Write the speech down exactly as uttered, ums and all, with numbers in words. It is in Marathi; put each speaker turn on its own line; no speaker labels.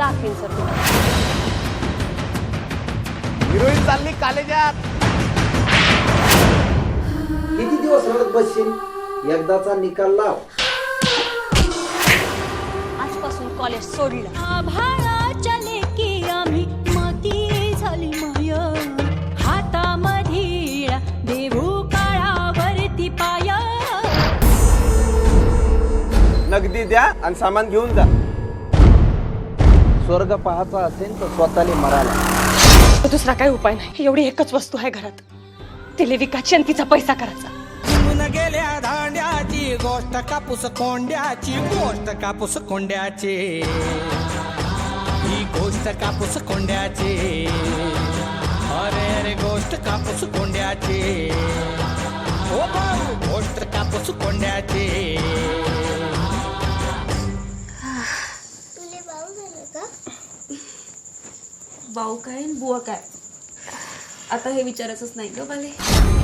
दाखवीन सर तुम्हाला.
हिरोईन चालली कॉलेजात.
किती दिवस रडत बसशील? एकदाचा निकाल लाव.
आजपासून कॉलेज सोडलं.
आभाळाच्या लेकी आम्ही माती झाली माय हातामधील देऊ काळावरती पाय.
नगदी द्या आणि सामान घेऊन जा.
स्वर्ग पाहायचा असेल तर स्वतःला मराला.
दुसरा काही उपाय नाही. एवढी एकच वस्तू आहे घरात, तिला विकायची आणि तिचा पैसा करायचा.
गेल्या धांड्याची गोष्ट कापूस कोंड्याची गोष्ट कापूस कोंड्याची ही गोष्ट कापूस कोंड्याची अरे रे गोष्ट कापूस कोंड्याची ओ भाऊ गोष्ट कापूस कोंड्याची.
तुले भाऊ झालं का?
भाऊ काय बुवा काय आता हे विचारायचंच नाही ग बाले.